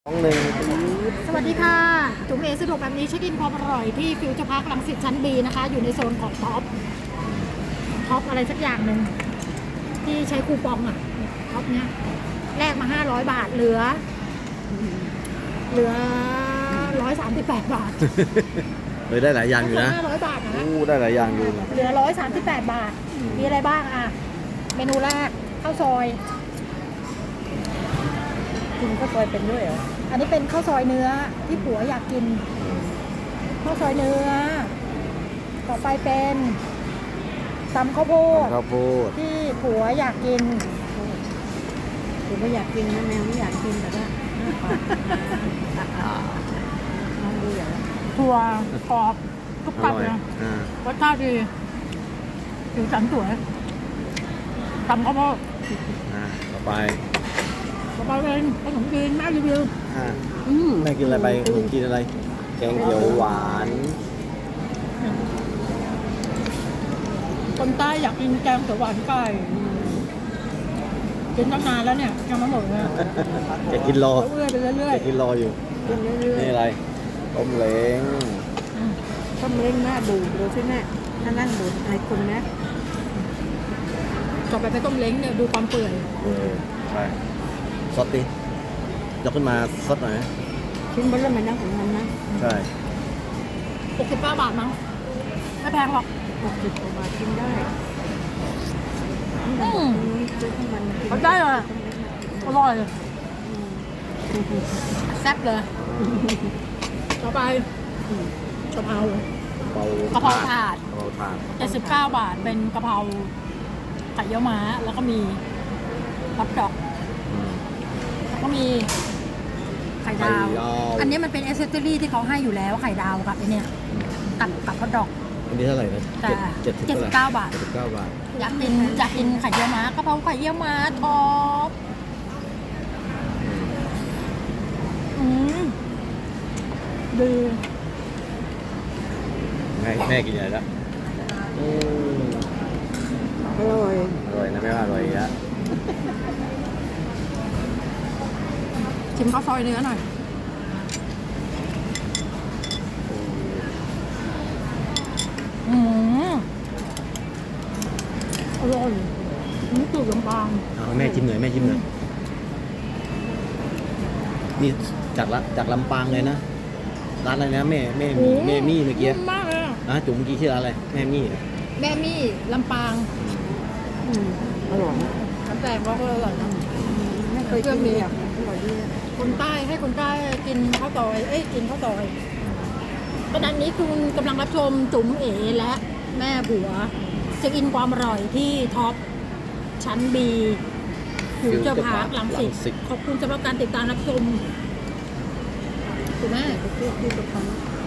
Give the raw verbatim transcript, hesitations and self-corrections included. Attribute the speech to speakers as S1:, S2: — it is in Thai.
S1: น้องหนึ่ง
S2: สวัสดีค่ะจุ๋มเอสะดวกแบบนี้เช็คอินความอร่อยที่ฟิวเจอร์พาร์ครังสิตชั้นบีนะคะอยู่ในโซนของท็อปท็อปอะไรสักอย่างหนึ่งที่ใช้คูปองอ่ะท็อปเนี้ยแลกมาห้าร้อยบาทเหลือ เหลือร้อยสามสิบแปดบาท
S1: เออได้หลายอย่างอยู่นะ
S2: ห้าร้อยบาทนะ
S1: อู้ได้หลายอย่างอยู่
S2: เหลือร้อยสามสิบแปดบาทมีอะไรบ้างอ่ะเมนูแรกข้าวซอย
S3: กินข้าวซอยเป็นด้วยเหรอ
S2: อันนี้เป็นข้าวซอยเนื้อที่ผัวอยากกินข้าวซอยเนื้อต่อไปเป็นตำข้าวโพด
S1: ข้าวโพด
S2: ที่ผัวอยากกิน
S3: คือไม่อยากกินนะแมวไม่อยากกินแต่ก็น้องดูอย่าง
S2: ถั่วกรอบกรุบ
S1: อก
S2: รับ
S1: ร่อย
S2: นะ
S1: อ่าร
S2: สชาติดีผิวสันสวยตำข้าวโพด
S1: อ่าต่อไป
S2: ต่อไปเป็นขนมจีนแม่รีวิว
S1: อ่า
S3: อืม
S1: แม่กินอะไรไปขนมจีนอะไร แกงเขียวหวาน
S2: คนใต้อยากกินแกงเขียวหวานไก่กินตั้งนานแล้วเนี่ยยังไม่หมดเลย
S1: จะกินรอ
S2: เรื่อยๆไปเรื่อย
S1: จะกินรออยู่
S3: กินเรื่อย
S1: นี่อะไรต้มเล้ง
S3: ๆต้องเล่นหน้าดูดูสิแม่ถ้านั่งดูไอ้คนนะ
S2: ๆต่อไปเป็นต้มเล้งเนี่ยดูความเปื่อย
S1: เออไปซดดิยกขึ้นมาซดหน่อยนะ
S3: ชิ้นเบอร์เริ่มมันนะของมันนะ
S1: ใช่
S2: หกสิบเก้าบาทมั้งไม่แพงหรอก
S3: หกสิบกว่าบาทกินได้
S2: อืม
S3: ซื้อข้าวมันกิน
S2: เอาได้เลยอร่อยแซ่บเลยต่อไปกะเพรา
S1: เบาก
S2: ะเพราถาด
S1: กะเพราถาด
S2: เจ็ดสิบเก้าบาทเป็นกะเพราไข่เยี่ยวม้าแล้วก็มีฮอทดอก
S1: อืม
S2: แล้วก็มีไข่ดาว
S1: ไข่ดาว
S2: อันนี้มันเป็นเอเซอรี่ที่เขาให้อยู่แล้วไข่ดาวกับไอเนี่ยกับกับฮอทดอก
S1: อันนี้เท่าไหร่นะ
S2: แต่
S1: เจ็ดสิบ
S2: เจ็ดสิบเก้าบาท
S1: เจ็ดสิบเก้าบาท
S2: อยากกินอยากกินไข่เยี่ยวม้ากะเพราไข่เยี่ยวม้าท็อปอืมดี
S1: แม่แม่กินอะไรละอืม
S3: อร่อย
S1: อร่อยนะแม่ว่าอร่อยอีกแล้ว
S2: ชิมข้าวซอยเนื้อหน่อยอืมอร่อยนี่ตูดลำบาง
S1: เอาแม่ชิมหน่อยแม่ชิมหน่อยนี่จากละจากลำปางเลยนะร้านอะไรนะแม่แม่มีแม่มี่เมื่อกี้
S2: นุ่มมากเลยอะ
S1: นะจุ๋มเมื่อกี้ชื่อร้านอะไรแม่มี่เหรอ
S2: แม่มี่ลำปาง
S3: อืมอร่อยนะ
S2: น้ำแตงก็อร่อยนะ
S3: ไม่เคยกินเลยอ่ะอร่อยดี
S2: คนใต้ให้คนใต้กินข้าวซอย เอ้ยกินข้าวซอยขณะนี้คุณกำลังรับชมจุ๋มเอ๋และแม่ผัวเช็คอินความอร่อยที่ท็อปชั้นบีฟิวเจอร์พาร์คลังสิตขอบคุณสำหรับการติดตามรับชมคุณแม่
S3: ที่ที่ประคอง